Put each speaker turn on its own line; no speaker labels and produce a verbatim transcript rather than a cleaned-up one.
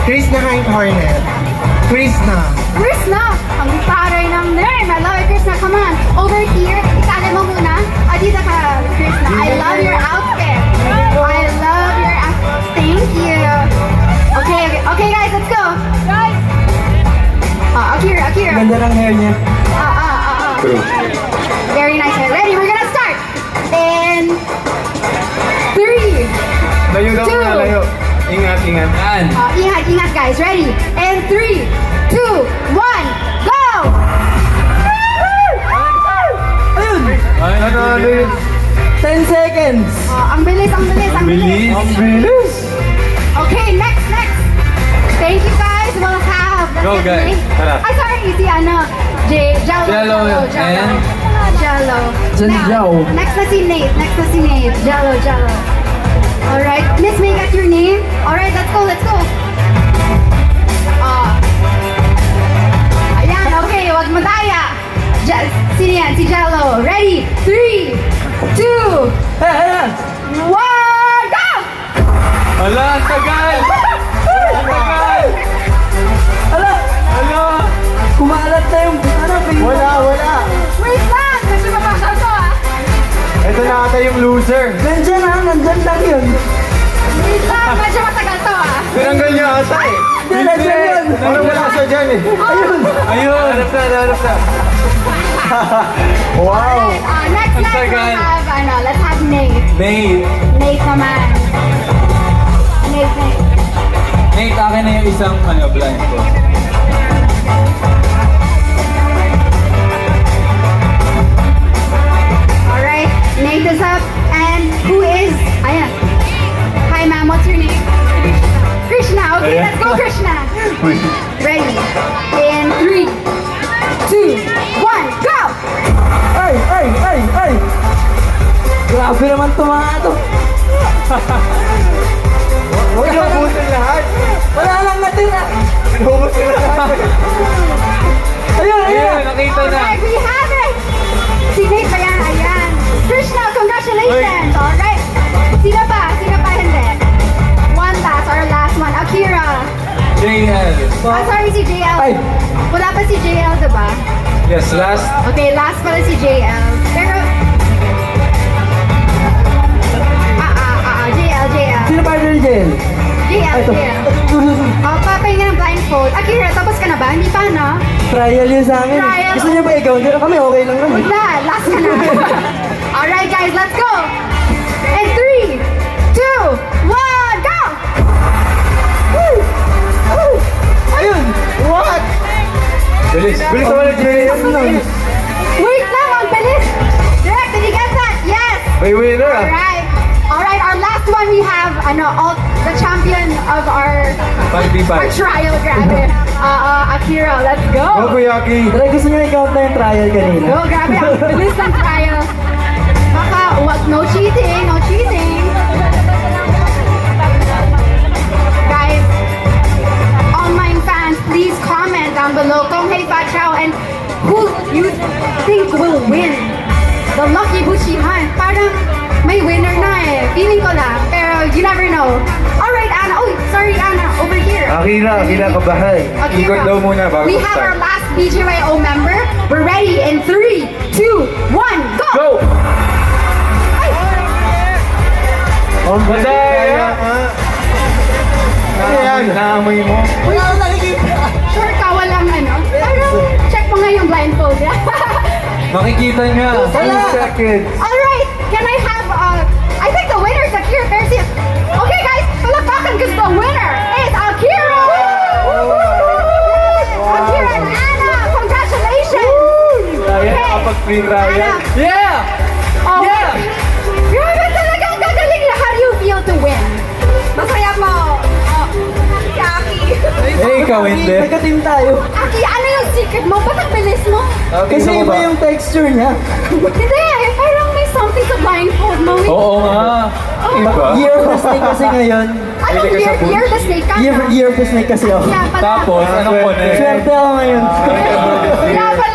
Krishna Hornet. Krishna.
Krishna! Ang taray ng name! I love it, Krishna. Come on. Over here. Itali mo muna. O, dito ka, Krishna. I love your outfit. I love your outfit. Thank you. Okay, okay, okay guys, let's go. Guys! Uh, Akira, Akira.
Ganda ng hair niya.
Uh, uh, uh, uh.
True.
Very nice. Ready? We're gonna start. In three.
Layo daw
Two.
na, layo. Ingat, ingat. Yan.
Uh, ingat, ingat guys. Ready? In three, two, one, go!
Ayun!
Ano, ano yun?
ten seconds!
Uh, ang bilis, ang bilis, ang bilis.
Ang bilis.
Okay, next, next. Thank you guys. We'll have.
Go, guys. Tara.
Ay, sorry. Si ano, J, Jello.
Jello,
Jello.
and?
Jello.
Jello.
Now, next na si Nate. Next na si Nate. Jello, Jello. Alright. Miss, may I get your name? Alright, let's go, let's go. Ah. Ayan, okay. Wag mo daya. Je Sino yan? Si Jello. Ready? Three, two,
Eh, ayan!
one, go!
Hala, ang tagal! Ang tagal!
Ala!
Hala!
Kumalat na yung... Ano? Ping-
Wala, wala.
Wait lang! Kasi mapasal to ah.
Ito na ata yung loser.
Nandyan ha, nandyan lang yun.
Wait lang! Medyo matagal to ah.
Tinanggal niya ata eh.
Hindi, nandyan yun.
Parang wala siya dyan eh.
Ayun!
Ayun! Hanap na, hanap na. Wow!
Alright, uh, next,
Ang
next we'll
tagal.
have, ano, let's have Nate.
Nate.
Nate naman. Nate, Nate.
Nate, akin na yung isang ano, blindfold.
Alright, Nate is up. And who is, ayan. Hi ma'am, what's your name? Krishna. Okay,
Ayan.
let's go Krishna. Ready? In three, two, one, go!
Ay, ay, ay, ay! Grabe naman ito mga ito.
Huwag niyo abutin lahat.
Wala lang natira.
Inubos nila lahat.
Ayun, ayun!
Ayun, nakita na.
Alright, we have it! Si Nate pa yan, ayan. Krishna, congratulations! Alright. Sino pa? Sino pa hindi? One last, our last one. Akira.
J L.
Ah, sorry, si J L.
Ay.
Wala pa si J L, diba?
Yes, last.
Okay, last pala si J L. Pero... Ah, ah, ah, ah, J L, J L.
Sino partner ni Jen?
J L,
Ay, ito.
J L. Oh, papahinga ng blindfold. Akira, tapos ka na ba? Hindi pa, no?
Trial yun sa amin.
Trial.
Gusto niyo ba ikaw? Hindi na kami, okay lang naman.
Wala, last ka na. Alright, guys, let's go! In three, two, one, go! Woo! Woo!
Ayun!
What? Bilis. Bilis naman ang J L.
Wait lang, ang bilis! Direct, did you get that? Yes!
May winner ah.
Alright. Alright, our last one we have, ano, all, the champion of our,
five v
our
five.
trial, grabe. Uh, uh, Akira, let's
Go,
go!
Kuyaki.
Tara, gusto niyo i-count na yung trial kanina?
Go, grabe, ang bilis ng trial. Baka, wag, no cheating, no cheating. Guys, online fans, please comment down below kung hey Pachao and who you think will win the Lucky Buchihan. Parang may winner na eh. Feeling ko lang, pero you never know. Alright, Anna. Oh, sorry, Anna. Over here.
Akira, Akira, kabahay.
Akira.
Ikot daw muna bago
We have our
start.
last B J Y O member. We're ready in three, two, one, go!
Go!
Ay!
On Madaya! Ano yan? Naamoy mo?
Wala akong nakikita.
Sure ka, walang ano? Parang check mo nga yung blindfold.
Makikita niya.
Wala.
Two seconds.
Alright, can I have, uh, I think the winner is Akira Garcia. Okay guys, palakpakan because the winner is Akira! Akira and Anna, congratulations!
Kaya nakapag-free trial.
Anna.
Yeah!
Oh,
Yeah!
grabe talaga, ang gagaling niya. How do you feel to win? Masaya mo. Oh, Aki.
Eh, ikaw hindi.
Nagka-team tayo.
Aki, ano yung secret mo? Ba't ang bilis mo?
Kasi iba yung texture niya.
Hindi, parang may something sa blindfold mo.
Oo nga. Iba?
Year of the snake kasi ngayon.
Ano,
Pwede ka sa
year,
booth.
year the snake ka?
Year, year of the snake kasi ako.
Kaya pala.
Tapos, anong connect?
Swerte ako ngayon.
Kaya pala